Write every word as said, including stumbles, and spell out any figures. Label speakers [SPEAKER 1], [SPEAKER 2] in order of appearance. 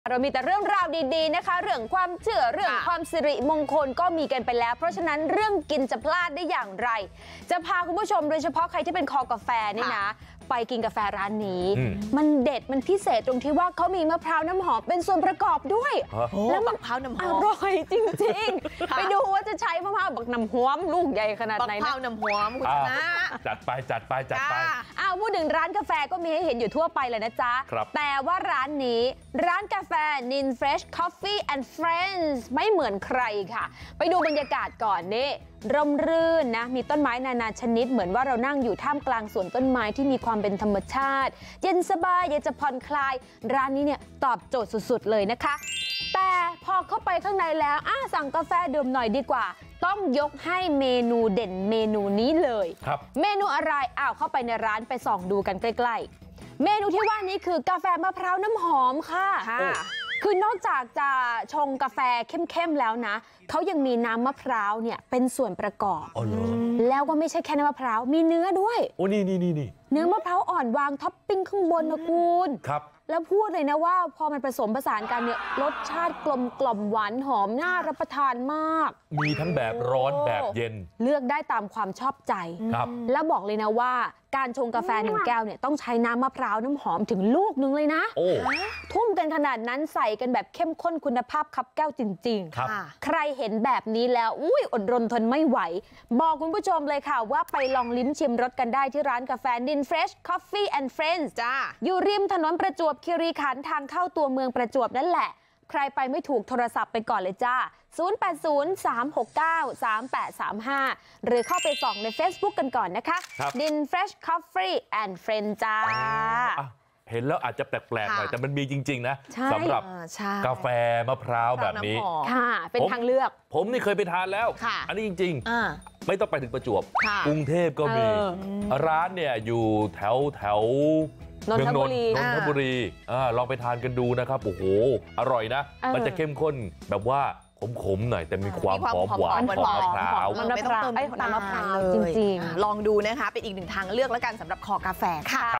[SPEAKER 1] เรามีแต่เรื่องราวดีๆนะคะเรื่องความเชื่อเรื่องความสิริมงคลก็มีกันไปแล้วเพราะฉะนั้นเรื่องกินจะพลาดได้อย่างไรจะพาคุณผู้ชมโดยเฉพาะใครที่เป็นคอกาแฟนี่นะไปกินกาแฟร้านนี้มันเด็ดมันพิเศษตรงที่ว่าเขามีมะพร้าวน้ำหอมเป็นส่วนประกอบด้วยแล้วมะพร้าวน้ำหอมอร่อยจริงๆไปดูว่าจะใช้มะพร้าวบักน้ำหอมลูกใหญ่ขนาดไหนนะมะพร้าวน้ำหอมคุณชนะ
[SPEAKER 2] จัดไปจัดไปจัดไป
[SPEAKER 1] อ้าวพูดถึงร้านกาแฟก็มีให้เห็นอยู่ทั่วไปเลยนะจ๊ะแต่ว่าร้านนี้ร้านกาแฟ Nin Fresh Coffee and Friends ไม่เหมือนใครค่ะไปดูบรรยากาศก่อนนี่ร่มรื่นนะมีต้นไม้นานาชนิดเหมือนว่าเรานั่งอยู่ท่ามกลางสวนต้นไม้ที่มีความเป็นธรรมชาติเย็นสบายอยากจะผ่อนคลายร้านนี้เนี่ยตอบโจทย์สุดๆเลยนะคะแต่พอเข้าไปข้างในแล้วอ่ะสั่งกาแฟดื่มหน่อยดีกว่าต้องยกให้เมนูเด่นเมนูนี้เลยครับเมนูอะไรอ้าวเข้าไปในร้านไปส่องดูกันใกล้ๆเมนูที่ว่านี้คือกาแฟมะพร้าวน้ำหอมค่ะคือนอกจากจะชงกาแฟเข้มๆแล้วนะเขายังมีน้ำมะพร้าวเนี่ยเป็นส่วนประกอบแล้วก็ไม่ใช่แค่น้ำมะพร้าวมีเนื้อด้วย
[SPEAKER 2] โอ้นี่นี่นี่นี่
[SPEAKER 1] เนื้อมะพร้าวอ่อนวางท็อปปิ้งข้างบนนะคุณ
[SPEAKER 2] ครับ
[SPEAKER 1] แล้วพูดเลยนะว่าพอมันผสมผสานกันเนี่ยรสชาติกลมกล่อมหวานหอมน่ารับประทานมาก
[SPEAKER 2] มีทั้งแบบร้อนแบบเย็น
[SPEAKER 1] เลือกได้ตามความชอบใจ
[SPEAKER 2] ครับ
[SPEAKER 1] แล้วบอกเลยนะว่าการชงกาแฟหนึ่งแก้วเนี่ยต้องใช้น้ำมะพร้าวน้ำหอมถึงลูกนึงเลยนะทุ่มกันขนาดนั้นใส่กันแบบเข้มข้นคุณภาพคับแก้วจริงๆใครเห็นแบบนี้แล้วอุ้ยอดรนทนไม่ไหวบอกคุณผู้ชมเลยค่ะว่าไปลองลิ้มชิมรสกันได้ที่ร้านกาแฟ Nin Fresh Coffee and Friends จ้าอยู่ริมถนนประจวบคีรีขันธ์ทางเข้าตัวเมืองประจวบนั่นแหละใครไปไม่ถูกโทรศัพท์ไปก่อนเลยจ้าศูนย์ แปด ศูนย์ สาม หก เก้า สาม แปด สาม ห้าหรือเข้าไปส่องใน Facebook กันก่อนนะคะ Nin Fresh Coffee and Friends จ้า
[SPEAKER 2] เห็นแล้วอาจจะแปลกๆหน่อยแต่มันมีจริงๆนะสำหรับกาแฟมะพร้าวแบบนี้
[SPEAKER 1] ค่ะเป็นทางเลือก
[SPEAKER 2] ผมนี่เคยไปทานแล้วอันนี้จริงๆไม่ต้องไปถึงประจวบกรุงเทพก็มีร้านเนี่ยอยู่แถวแถวนนทบุรีนนทบุรีลองไปทานกันดูนะครับโอ้โหอร่อยนะมันจะเข้มข้นแบบว่าขมๆหน่อยแต่มีความหอมหวานของมะพร้าว
[SPEAKER 1] ไม่ต้องเติมน้ำมะพร้าวจริงๆ
[SPEAKER 3] ลองดูนะคะเป็นอีกหนึ่งทางเลือกแล้วกันสำหรับคอกาแฟค่ะ